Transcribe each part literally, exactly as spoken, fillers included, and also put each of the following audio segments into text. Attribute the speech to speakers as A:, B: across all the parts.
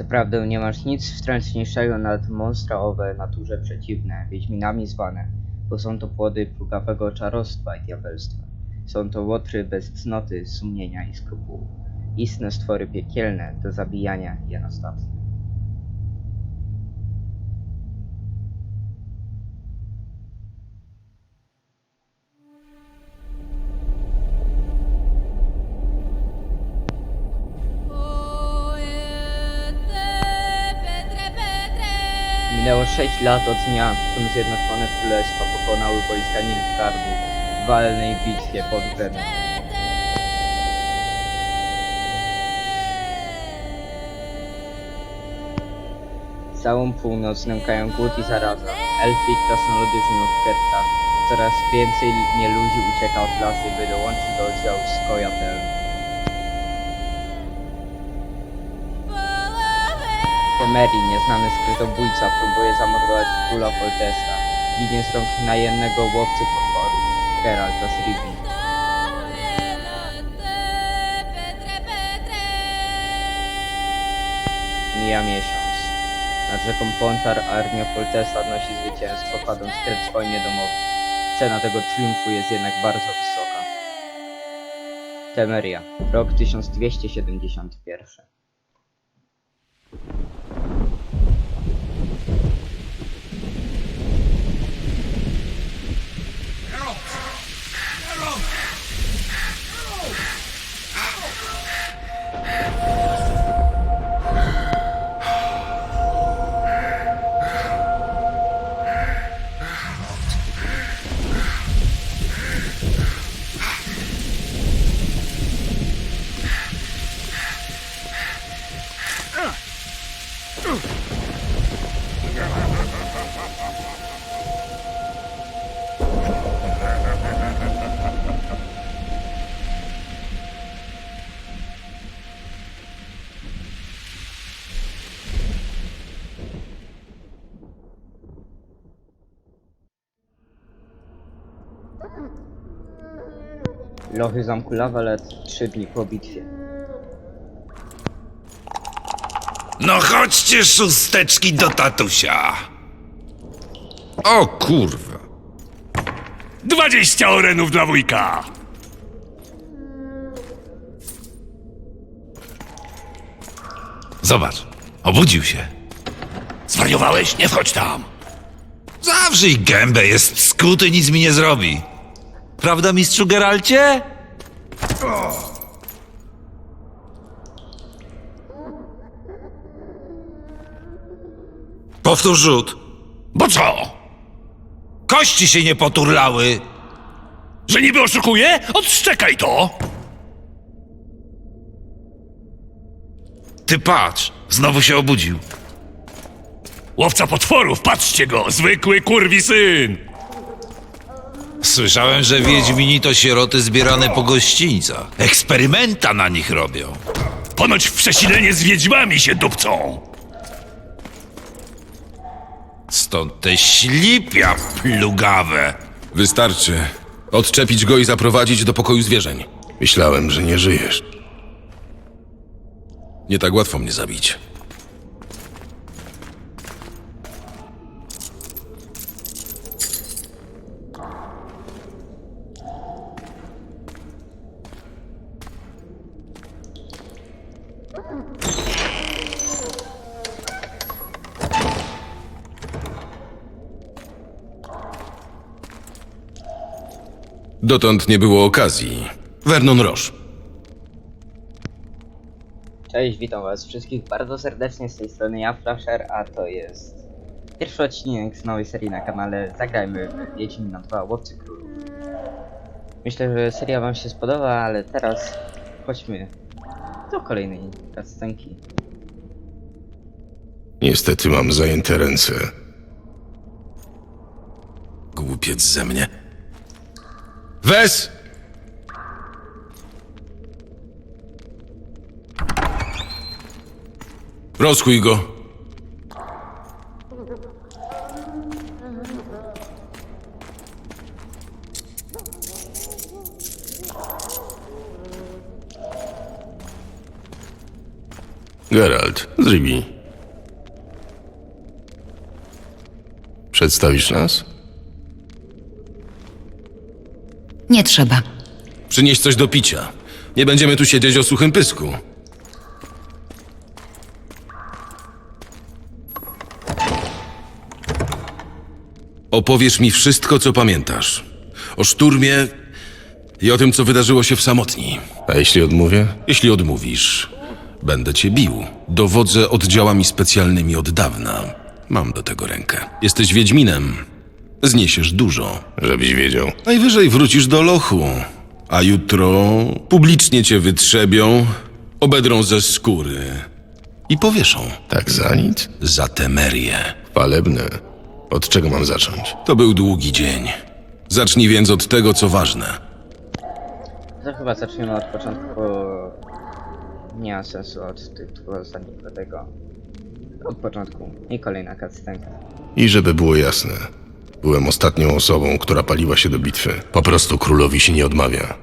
A: Zaprawdę nie masz nic wstrętniejszego nad monstra owe naturze przeciwne, wiedźminami zwane, bo są to płody plugawego czarostwa i diabelstwa. Są to łotry bez cnoty, sumienia i skrupułów. Istne stwory piekielne do zabijania jenostatne. Minęło sześć lat od dnia, w którym Zjednoczone Królestwa pokonały wojska Nilfgaardu w walnej bitwie pod Brenną. Całą północ nękają głód i zaraza. Elfy i krasnoludy żyją w gettach. Coraz więcej nieludzi ucieka od lasy, by dołączyć do oddziału Skojatel. Temerii, nieznany skrytobójca, próbuje zamordować króla Foltesta. Ginie z rąk najemnego łowcy potworów, Geralta z Rivii. Mija miesiąc. Nad rzeką Pontar armia Foltesta odnosi zwycięstwo, kładąc kres wojnie domowej. Cena tego triumfu jest jednak bardzo wysoka. Temeria, rok tysiąc dwieście siedemdziesiąty pierwszy. Lochy zamku Lawalet trzy dni po bitwie.
B: No chodźcie, szósteczki, do tatusia. O kurwa.
C: Dwadzieścia orenów dla wujka!
B: Zobacz, obudził się.
C: Zwariowałeś? Nie wchodź tam!
B: Zawrzyj gębę, jest skuty, nic mi nie zrobi. Prawda, mistrzu Geralcie? Powtórz rzut.
C: Bo co?
B: Kości się nie poturlały.
C: Że niby oszukuję? Odszczekaj to!
B: Ty patrz, znowu się obudził.
C: Łowca potworów, patrzcie go! Zwykły kurwi syn!
B: Słyszałem, że wiedźmini to sieroty zbierane po gościńcach. Eksperymenta na nich robią.
C: Ponoć w przesilenie z wiedźmami się dupcą!
B: Stąd te ślipia plugawe.
D: Wystarczy. Odczepić go i zaprowadzić do pokoju zwierzeń. Myślałem, że nie żyjesz. Nie tak łatwo mnie zabić. Dotąd nie było okazji. Vernon Roche.
A: Cześć, witam was wszystkich bardzo serdecznie, z tej strony ja, Flasher, a to jest pierwszy odcinek z nowej serii na kanale Zagrajmy w Wiedźmina dwa Łowcy Królów. Myślę, że seria wam się spodoba, ale teraz chodźmy do kolejnej cutscenki.
D: Niestety mam zajęte ręce. Głupiec ze mnie. Wes! Rozchuj go. Geralt, z Rivi. Przedstawisz nas?
E: Nie trzeba.
D: Przynieś coś do picia. Nie będziemy tu siedzieć o suchym pysku. Opowiesz mi wszystko, co pamiętasz. O szturmie i o tym, co wydarzyło się w Samotni. A jeśli odmówię? Jeśli odmówisz, będę cię bił. Dowodzę oddziałami specjalnymi od dawna. Mam do tego rękę. Jesteś Wiedźminem. Zniesiesz dużo. Żebyś wiedział. Najwyżej wrócisz do lochu. A jutro publicznie cię wytrzebią, obedrą ze skóry i powieszą. Tak za nic? Za temerię. Chwalebne. Od czego mam zacząć? To był długi dzień. Zacznij więc od tego, co ważne.
A: To chyba zaczniemy od początku, bo nie ma sensu od tytułu ostatniego tego. Od początku. I kolejna cutscenka.
D: I żeby było jasne, byłem ostatnią osobą, która paliła się do bitwy. Po prostu królowi się nie odmawia.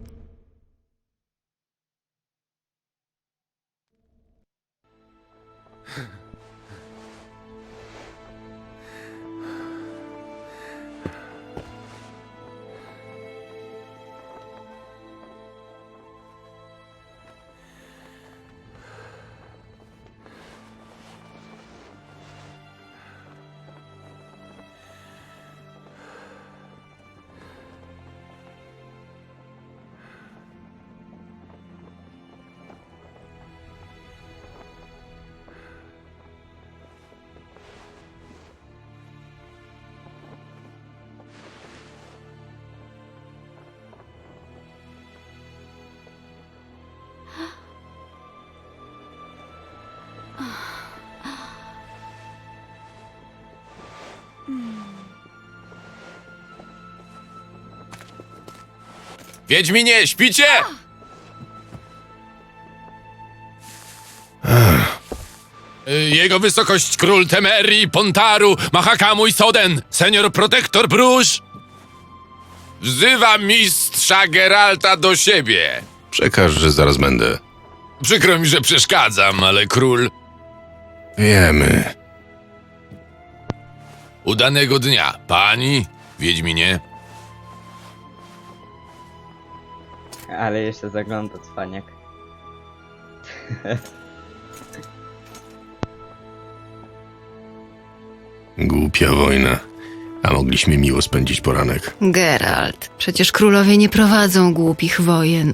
C: Wiedźminie, śpicie? Jego wysokość król Temerii, Pontaru, Mahakamu i Soden, senior protektor Bruges, wzywa mistrza Geralta do siebie.
D: Przekaż, że zaraz będę.
C: Przykro mi, że przeszkadzam, ale król...
D: Wiemy.
C: Udanego dnia, pani, Wiedźminie.
A: Ale jeszcze zagląda cwaniak.
D: Głupia wojna. A mogliśmy miło spędzić poranek.
E: Geralt, przecież królowie nie prowadzą głupich wojen.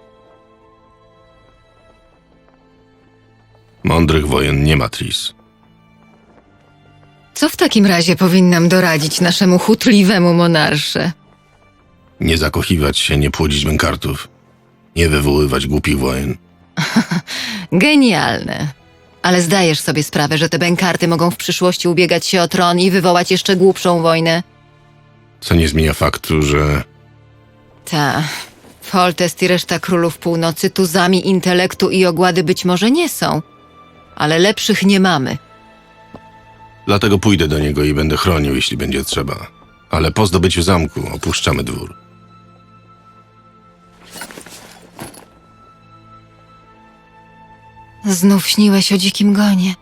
D: Mądrych wojen nie ma, Tris.
E: Co w takim razie powinnam doradzić naszemu chutliwemu monarsze?
D: Nie zakochiwać się, nie płodzić bękartów. Nie wywoływać głupich wojen.
E: Genialne. Ale zdajesz sobie sprawę, że te bękarty mogą w przyszłości ubiegać się o tron i wywołać jeszcze głupszą wojnę?
D: Co nie zmienia faktu, że...
E: Ta. Foltest i reszta królów północy tuzami intelektu i ogłady być może nie są. Ale lepszych nie mamy.
D: Dlatego pójdę do niego i będę chronił, jeśli będzie trzeba. Ale po zdobyciu zamku opuszczamy dwór.
E: Znów śniłeś o dzikim gonie.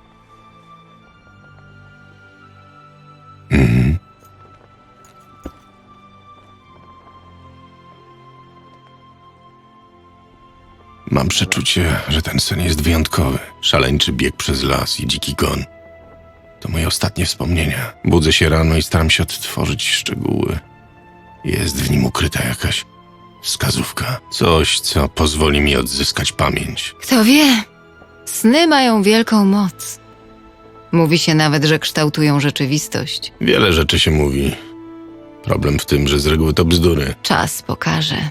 D: Mhm. Mam przeczucie, że ten sen jest wyjątkowy. Szaleńczy bieg przez las i dziki gon. To moje ostatnie wspomnienia. Budzę się rano i staram się odtworzyć szczegóły. Jest w nim ukryta jakaś wskazówka. Coś, co pozwoli mi odzyskać pamięć.
E: Kto wie, sny mają wielką moc. Mówi się nawet, że kształtują rzeczywistość.
D: Wiele rzeczy się mówi. Problem w tym, że z reguły to bzdury.
E: Czas pokaże.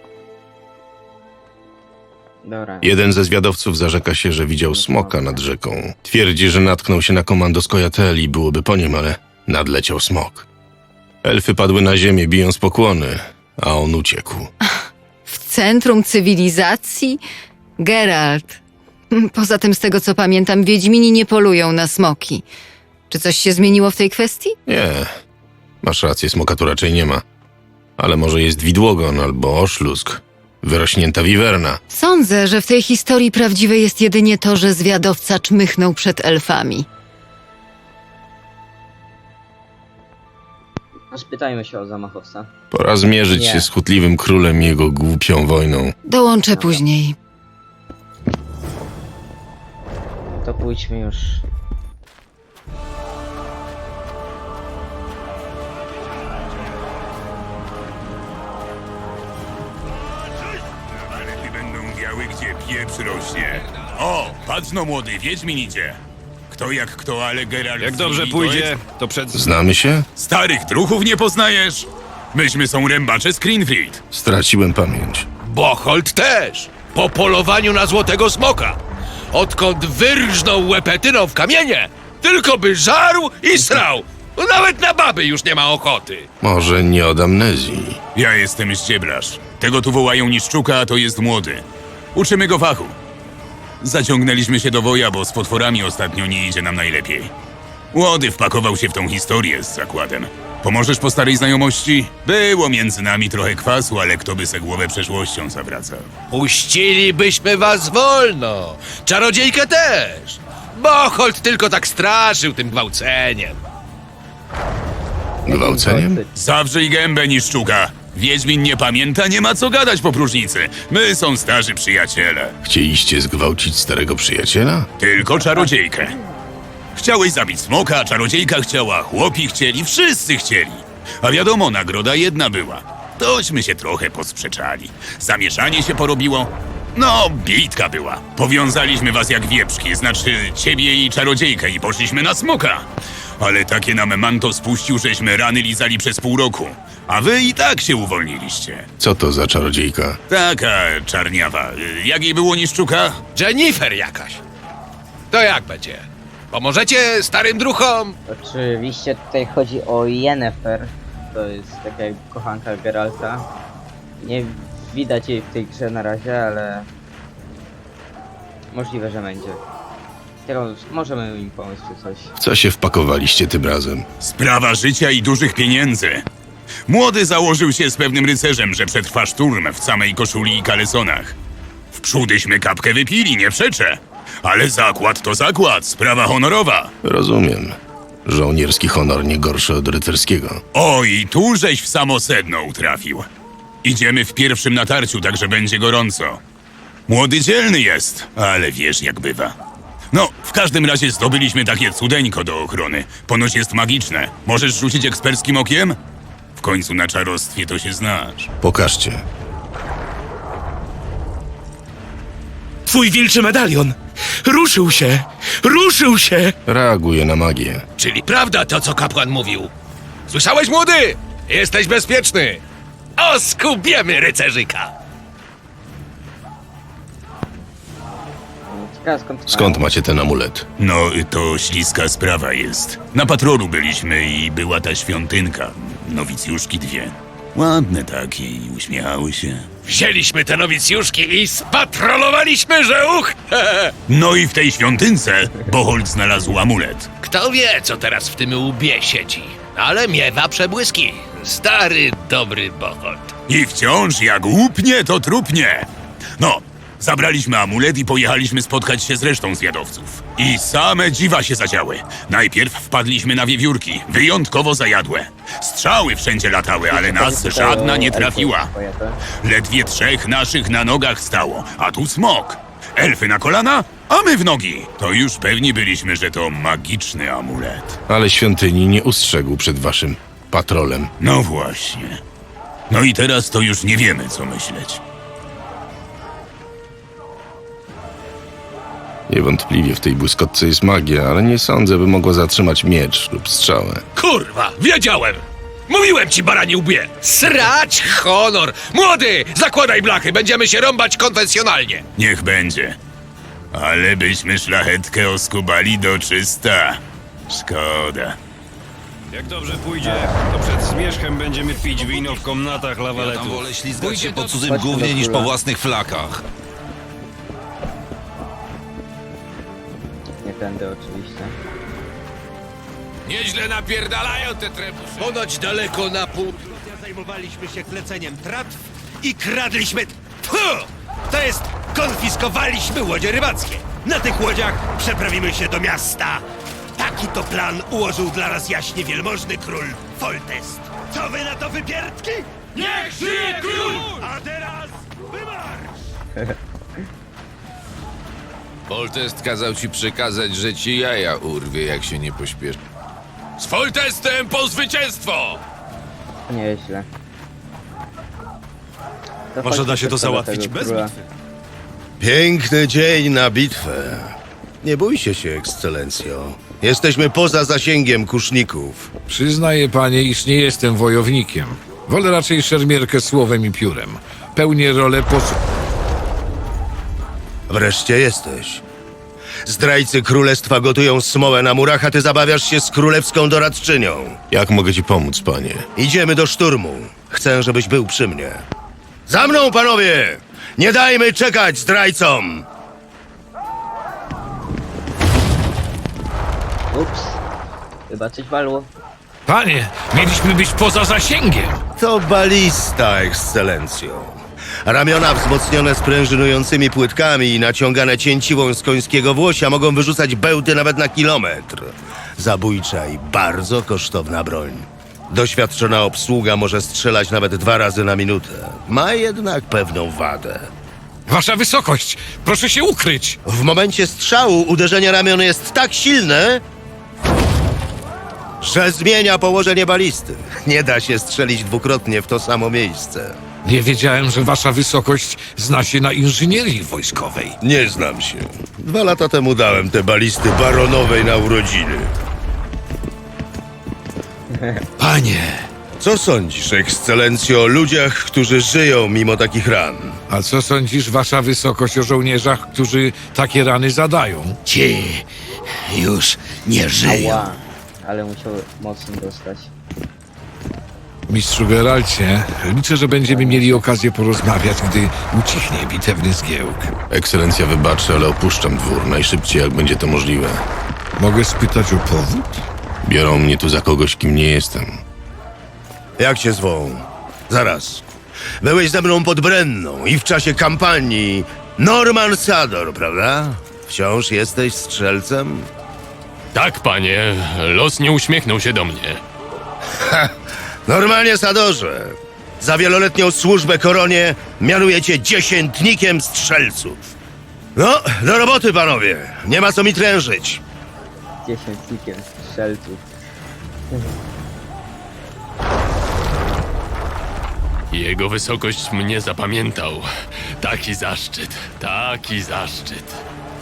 A: Dobra.
D: Jeden ze zwiadowców zarzeka się, że widział smoka nad rzeką. Twierdzi, że natknął się na komando z Kojatel i byłoby po nim, ale nadleciał smok. Elfy padły na ziemię, bijąc pokłony, a on uciekł.
E: W centrum cywilizacji? Geralt. Poza tym, z tego co pamiętam, Wiedźmini nie polują na smoki. Czy coś się zmieniło w tej kwestii?
D: Nie, masz rację, smoka tu raczej nie ma. Ale może jest widłogon albo oszlusk. Wyrośnięta wiwerna.
E: Sądzę, że w tej historii prawdziwe jest jedynie to, że zwiadowca czmychnął przed elfami.
A: No, spytajmy się o zamachowca.
D: Pora zmierzyć
A: Nie.
D: się z chutliwym królem i jego głupią wojną.
E: Dołączę później.
A: To pójdźmy już.
C: Ale będą biały, gdzie pieprz rośnie. O, patrz no młody, Wiedźmin idzie. Kto jak kto, ale Geralt...
F: Jak
C: z
F: dobrze
C: Rivi to
F: pójdzie,
C: jest-
F: to przed...
D: Znamy się?
C: Starych druhów nie poznajesz? Myśmy są rębacze z Greenfield.
D: Straciłem pamięć.
G: Bocholt też! Po polowaniu na złotego smoka! Odkąd wyrżnął łepetyną w kamienie, tylko by żarł i srał! Nawet na baby już nie ma ochoty!
D: Może nie od amnezji.
C: Ja jestem ścieblarz. Tego tu wołają niszczuka, a to jest młody. Uczymy go fachu. Zaciągnęliśmy się do woja, bo z potworami ostatnio nie idzie nam najlepiej. Młody wpakował się w tą historię z zakładem. Pomożesz po starej znajomości? Było między nami trochę kwasu, ale kto by se głowę przeszłością zawracał?
G: Puścilibyśmy was wolno! Czarodziejkę też! Bocholt tylko tak straszył tym gwałceniem.
D: Gwałceniem?
C: Zawrzyj gębę, niszczuka. Wiedźmin nie pamięta, nie ma co gadać po próżnicy. My są starzy przyjaciele.
D: Chcieliście zgwałcić starego przyjaciela?
C: Tylko czarodziejkę. Chciałeś zabić smoka, a czarodziejka chciała, chłopi chcieli, wszyscy chcieli. A wiadomo, nagroda jedna była. Tośmy się trochę posprzeczali. Zamieszanie się porobiło. No, bitka była. Powiązaliśmy was jak wieprzki, znaczy ciebie i czarodziejkę i poszliśmy na smoka. Ale takie nam manto spuścił, żeśmy rany lizali przez pół roku. A wy i tak się uwolniliście.
D: Co to za czarodziejka?
C: Taka czarniawa. Jak jej było niszczuka?
G: Jennifer jakaś. To jak będzie? Pomożecie starym druchom?
A: Oczywiście tutaj chodzi o Yennefer. To jest taka jakby kochanka Geralta. Nie widać jej w tej grze na razie, ale możliwe, że będzie. Teraz możemy im pomóc czy coś.
D: W co się wpakowaliście tym razem?
C: Sprawa życia i dużych pieniędzy. Młody założył się z pewnym rycerzem, że przetrwa szturm w samej koszuli i kalesonach. Wprzódyśmy kapkę wypili, nie przeczę. Ale zakład to zakład, sprawa honorowa.
D: Rozumiem. Żołnierski honor nie gorszy od rycerskiego.
C: Oj, tu żeś w samo sedno utrafił. Idziemy w pierwszym natarciu, także będzie gorąco. Młody dzielny jest, ale wiesz jak bywa. No, w każdym razie zdobyliśmy takie cudeńko do ochrony. Ponoć jest magiczne. Możesz rzucić eksperckim okiem? W końcu na czarostwie to się znasz.
D: Pokażcie.
F: Twój wilczy medalion! Ruszył się! Ruszył się!
D: Reaguje na magię.
G: Czyli prawda to, co kapłan mówił. Słyszałeś, młody? Jesteś bezpieczny. Oskubiemy rycerzyka.
A: Ciekawe skąd...
D: Skąd macie ten amulet?
C: No, to śliska sprawa jest. Na patrolu byliśmy i była ta świątynka. Nowicjuszki dwie. Ładne takie i uśmiechały się.
G: Wzięliśmy te nowicjuszki i spatrolowaliśmy, że uch!
C: No i w tej świątynce Bocholt znalazł amulet.
G: Kto wie, co teraz w tym łbie siedzi, ale miewa przebłyski. Stary, dobry Bocholt.
C: I wciąż jak łupnie, to trupnie. No, zabraliśmy amulet i pojechaliśmy spotkać się z resztą zwiadowców. I same dziwa się zadziały. Najpierw wpadliśmy na wiewiórki, wyjątkowo zajadłe. Strzały wszędzie latały, ale nas żadna nie trafiła. Ledwie trzech naszych na nogach stało, a tu smok. Elfy na kolana, a my w nogi. To już pewni byliśmy, że to magiczny amulet.
D: Ale świątyni nie ustrzegł przed waszym patrolem.
C: No właśnie. No i teraz to już nie wiemy, co myśleć.
D: Niewątpliwie w tej błyskotce jest magia, ale nie sądzę, by mogła zatrzymać miecz lub strzałę.
G: Kurwa, wiedziałem! Mówiłem ci, barani łbie! Srać honor! Młody, zakładaj blachy, będziemy się rąbać konwencjonalnie.
C: Niech będzie. Ale byśmy szlachetkę oskubali do czysta. Szkoda.
F: Jak dobrze pójdzie, to przed zmierzchem będziemy pić wino w komnatach
B: Ja tam
F: lawaletów.
B: wolę ślizgać się po
A: Chodźmy
B: cudzym
A: do
B: gównie niż po
A: króla.
B: własnych flakach.
A: Nie tędy oczywiście.
G: Nieźle napierdalają te trebusze. Ponoć daleko na pół.
H: Zajmowaliśmy się kleceniem tratw i kradliśmy Tfu! To jest, konfiskowaliśmy łodzie rybackie. Na tych łodziach przeprawimy się do miasta. Taki to plan ułożył dla nas jaśnie wielmożny król Foltest. Co wy na to, wypierdki? Niech żyje król! A teraz wymarsz!
G: Foltest kazał ci przekazać, że ci jaja urwie, jak się nie pośpiesz. Z Foltestem po zwycięstwo!
A: Nieźle. To
F: Może da
A: chodźmy
F: się to
A: szybko do
F: załatwić
A: tego
F: bez
A: króla.
F: bitwy.
I: Piękny dzień na bitwę. Nie bójcie się, ekscelencjo. Jesteśmy poza zasięgiem kuszników.
J: Przyznaję, panie, iż nie jestem wojownikiem. Wolę raczej szermierkę słowem i piórem. Pełnię rolę posłu.
I: Wreszcie jesteś. Zdrajcy królestwa gotują smołę na murach, a ty zabawiasz się z królewską doradczynią.
D: Jak mogę ci pomóc, panie?
I: Idziemy do szturmu. Chcę, żebyś był przy mnie. Za mną, panowie! Nie dajmy czekać zdrajcom!
A: Ups. Chyba coś walło.
J: Panie, mieliśmy być poza zasięgiem.
I: To balista, ekscelencjo. Ramiona wzmocnione sprężynującymi płytkami i naciągane cięciwą z końskiego włosia mogą wyrzucać bełty nawet na kilometr. Zabójcza i bardzo kosztowna broń. Doświadczona obsługa może strzelać nawet dwa razy na minutę. Ma jednak pewną wadę.
J: Wasza wysokość, proszę się ukryć.
I: W momencie strzału uderzenie ramion jest tak silne, że zmienia położenie balisty. Nie da się strzelić dwukrotnie w to samo miejsce.
J: Nie wiedziałem, że wasza wysokość zna się na inżynierii wojskowej.
I: Nie znam się. Dwa lata temu dałem te balisty baronowej na urodziny.
J: Panie,
I: Co sądzisz, ekscelencjo, o ludziach, którzy żyją mimo takich ran?
J: a co sądzisz, wasza wysokość, o żołnierzach, którzy takie rany zadają?
H: Ci już nie żyją.
A: Ała. Ale musiał mocno dostać.
J: Mistrzu Geralcie, liczę, że będziemy mieli okazję porozmawiać, gdy ucichnie bitewny zgiełk.
D: Ekscelencja wybaczy, ale opuszczam dwór najszybciej, jak będzie to możliwe.
J: Mogę spytać o powód?
D: Biorą mnie tu za kogoś, kim nie jestem.
I: Jak cię zwą? Zaraz. Byłeś ze mną pod Brenną i w czasie kampanii Norman Sador, prawda? Wciąż jesteś strzelcem?
K: Tak, panie. Los nie uśmiechnął się do mnie.
I: Normalnie, Sadorze. Za wieloletnią służbę koronie mianuję cię dziesiętnikiem strzelców. No, do roboty, panowie. Nie ma co mi trężyć.
A: Dziesiętnikiem strzelców.
K: Jego wysokość mnie zapamiętał. Taki zaszczyt, taki zaszczyt.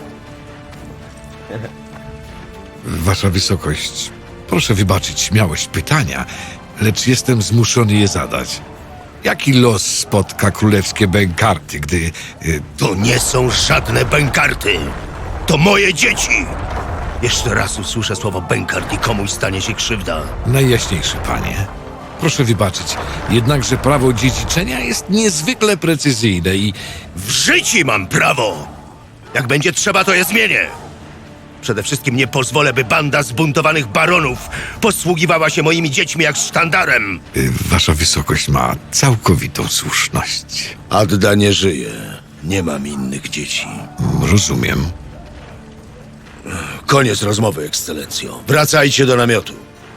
J: Wasza wysokość, proszę wybaczyć śmiałość pytania, lecz jestem zmuszony je zadać. Jaki los spotka królewskie bękarty, gdy... Y,
I: To nie są żadne bękarty. To moje dzieci. Jeszcze raz usłyszę słowo bękart i komuś stanie się krzywda.
J: najjaśniejszy panie, proszę wybaczyć, jednakże prawo dziedziczenia jest niezwykle precyzyjne i...
I: W życiu mam prawo. Jak będzie trzeba, to je zmienię. Przede wszystkim nie pozwolę, by banda zbuntowanych baronów posługiwała się moimi dziećmi jak sztandarem.
J: y, Wasza wysokość ma całkowitą słuszność.
I: Adda nie żyje. Nie mam innych dzieci.
J: Rozumiem.
I: Koniec rozmowy, ekscelencjo. Wracajcie do namiotu.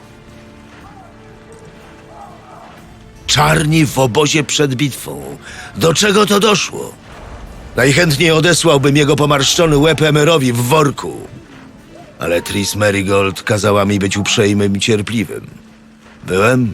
I: Czarni w obozie przed bitwą. Do czego to doszło? Najchętniej odesłałbym jego pomarszczony łeb Emerowi w worku. Ale Tris Merigold kazała mi być uprzejmym i cierpliwym. Byłem?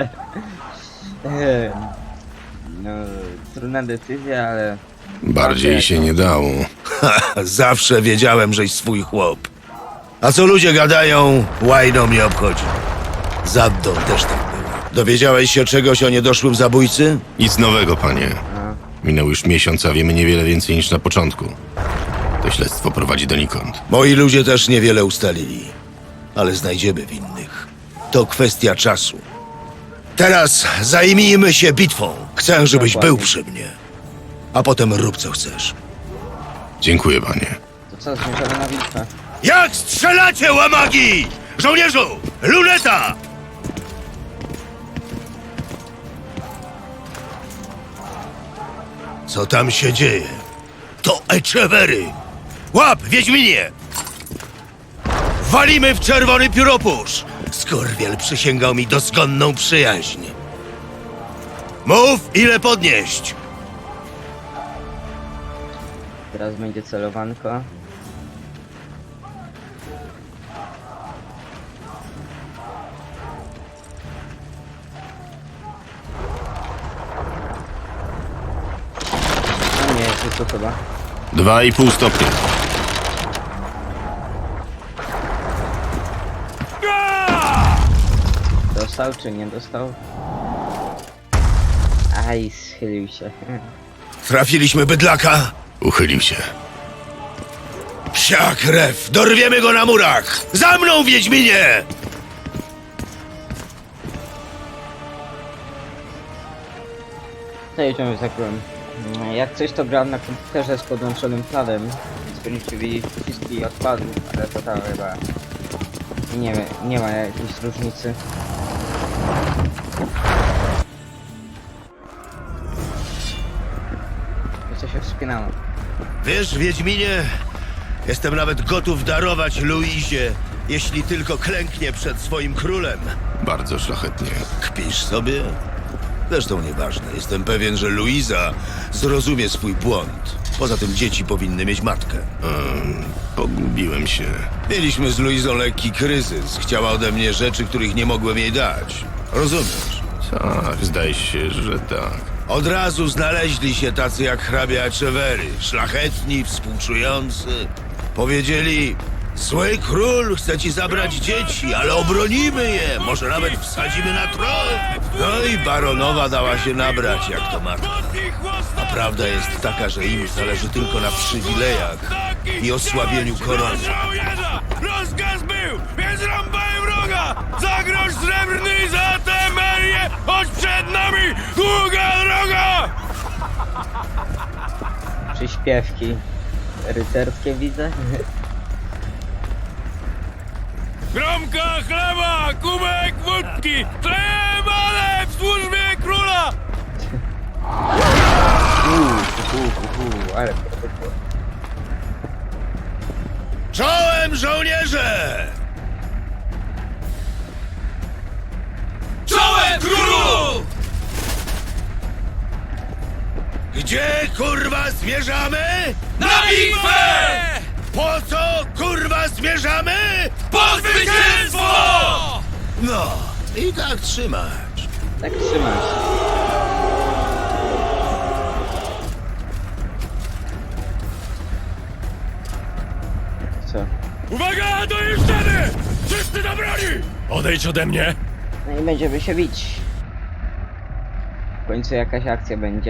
A: Ehm, No, trudna decyzja, ale...
D: Bardziej się nie dało.
I: Zawsze wiedziałem, żeś swój chłop. A co ludzie gadają, łajno mnie obchodzi. Z Addą też tak było. Dowiedziałeś się czegoś o niedoszłym zabójcy?
D: Nic nowego, panie. Minął już miesiąc, a wiemy niewiele więcej niż na początku. To śledztwo prowadzi donikąd.
I: Moi ludzie też niewiele ustalili. Ale znajdziemy winnych. To kwestia czasu. Teraz zajmijmy się bitwą. Chcę, żebyś
A: Dokładnie.
I: był przy mnie. A potem rób co chcesz.
D: Dziękuję, panie.
A: To co, zmierzamy na bitwę?
I: Jak strzelacie, łamagi! Żołnierzu! Luneta! Co tam się dzieje? To Echevery! Łap, Wiedźminie! Walimy w czerwony pióropusz! Skorwiel przysięgał mi dozgonną przyjaźń. Mów, ile podnieść!
A: Teraz będzie celowanko. No nie, jest to chyba.
D: Dwa i pół stopnia.
A: Dostał czy nie dostał? Aj, schylił się.
I: Trafiliśmy bydlaka?
D: Uchylił się.
I: Psia krew! Dorwiemy go na murach! Za mną, Wiedźminie!
A: To jedziemy za królem. Jak coś to grałem na komputerze z podłączonym planem, więc będziecie widzieć przyciski odpadów, ale to tam chyba nie, nie ma jakiejś różnicy. Co się wspinało?
I: Wiesz, Wiedźminie, jestem nawet gotów darować Luizie, jeśli tylko klęknie przed swoim królem.
D: Bardzo szlachetnie.
I: Kpisz sobie? Zresztą nieważne. Jestem pewien, że Luiza zrozumie swój błąd. Poza tym dzieci powinny mieć matkę.
D: Um, pogubiłem się.
I: Mieliśmy z Luizą lekki kryzys. Chciała ode mnie rzeczy, których nie mogłem jej dać. Rozumiesz?
D: Tak, zdaje się, że tak.
I: Od razu znaleźli się tacy jak hrabia Echevery. Szlachetni, współczujący. Powiedzieli... Zły król chce ci zabrać dzieci, ale obronimy je, może nawet wsadzimy na tron. No i baronowa dała się nabrać, jak to matka. A prawda jest taka, że im zależy tylko na przywilejach i osłabieniu korony.
H: Rozkaz był, więc rąbaj wroga! Za grosz srebrny, za temerię, choć przed nami długa droga!
A: Czy śpiewki rycerskie widzę?
H: Gromka chleba, kubek wódki, chlebale w służbie króla!
A: Uuu, uuu, uuu, ale to
I: Czołem, żołnierze!
H: Czołem królu!
I: Gdzie, kurwa, zmierzamy?
H: Na bitwę!
I: Po co, kurwa, zmierzamy?
H: Po zwycięstwo!
I: No, i tak trzymać.
A: tak trzymasz. Co?
H: Uwaga, do jeszczeny! Wszyscy do broni! Odejdź ode mnie!
A: No i będziemy się bić. W końcu jakaś akcja będzie.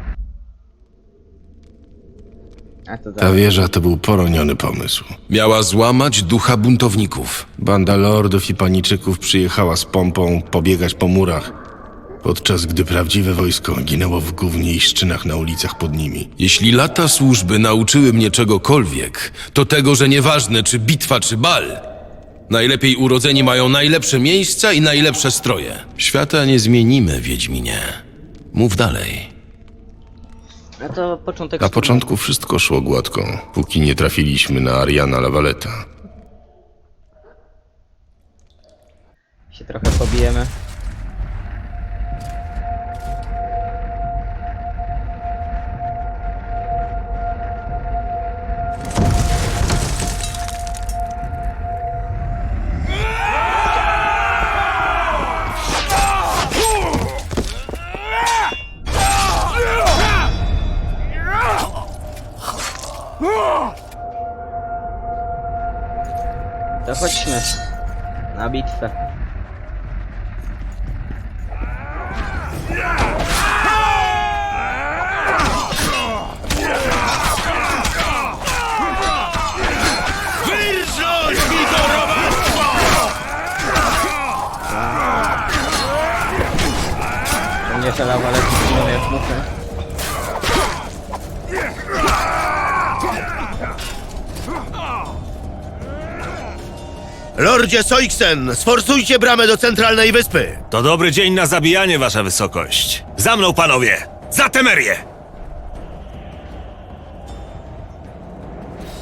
A: A to
D: Ta wieża to był poroniony pomysł. Miała złamać ducha buntowników. Banda lordów i paniczyków przyjechała z pompą pobiegać po murach, podczas gdy prawdziwe wojsko ginęło w gównie i szczynach na ulicach pod nimi. Jeśli lata służby nauczyły mnie czegokolwiek, to tego, że nieważne czy bitwa, czy bal, najlepiej urodzeni mają najlepsze miejsca i najlepsze stroje. Świata nie zmienimy, Wiedźminie. Mów dalej.
A: No to początek...
D: Na początku wszystko szło gładko, póki nie trafiliśmy na Ariana Lavaleta.
A: się trochę pobijemy. To chodźmy na bitwę.
H: Wyrządź mi to robactwo!
A: To nie szalawa, ale to jak muszę.
I: Lordzie Soiksen, sforsujcie bramę do centralnej wyspy!
H: To dobry dzień na zabijanie, wasza wysokość. Za mną, panowie! Za Temerię!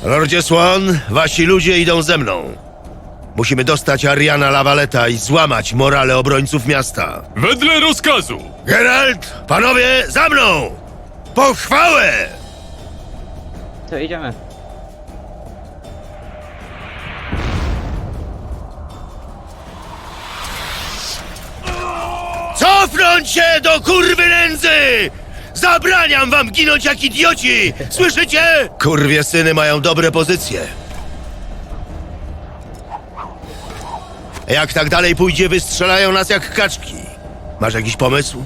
I: Lordzie Swan, wasi ludzie idą ze mną. Musimy dostać Ariana Lavaleta i złamać morale obrońców miasta.
K: Wedle rozkazu!
I: Geralt, panowie, za mną! Pochwałę!
A: To idziemy.
I: Cofnąć się do kurwy nędzy! Zabraniam wam ginąć jak idioci! Słyszycie? Kurwie syny mają dobre pozycje. Jak tak dalej pójdzie, wystrzelają nas jak kaczki. Masz jakiś pomysł?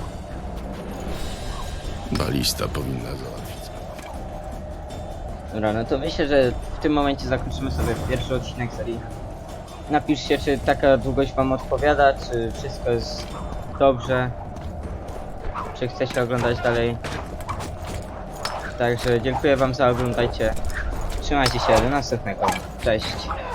D: Balista powinna załatwić.
A: Dobra, no to myślę, że w tym momencie zakończymy sobie pierwszy odcinek serii. Napiszcie, czy taka długość wam odpowiada, czy wszystko jest dobrze, czy chcecie oglądać dalej. Także dziękuję wam za oglądajcie. Trzymajcie się, do następnego. Cześć.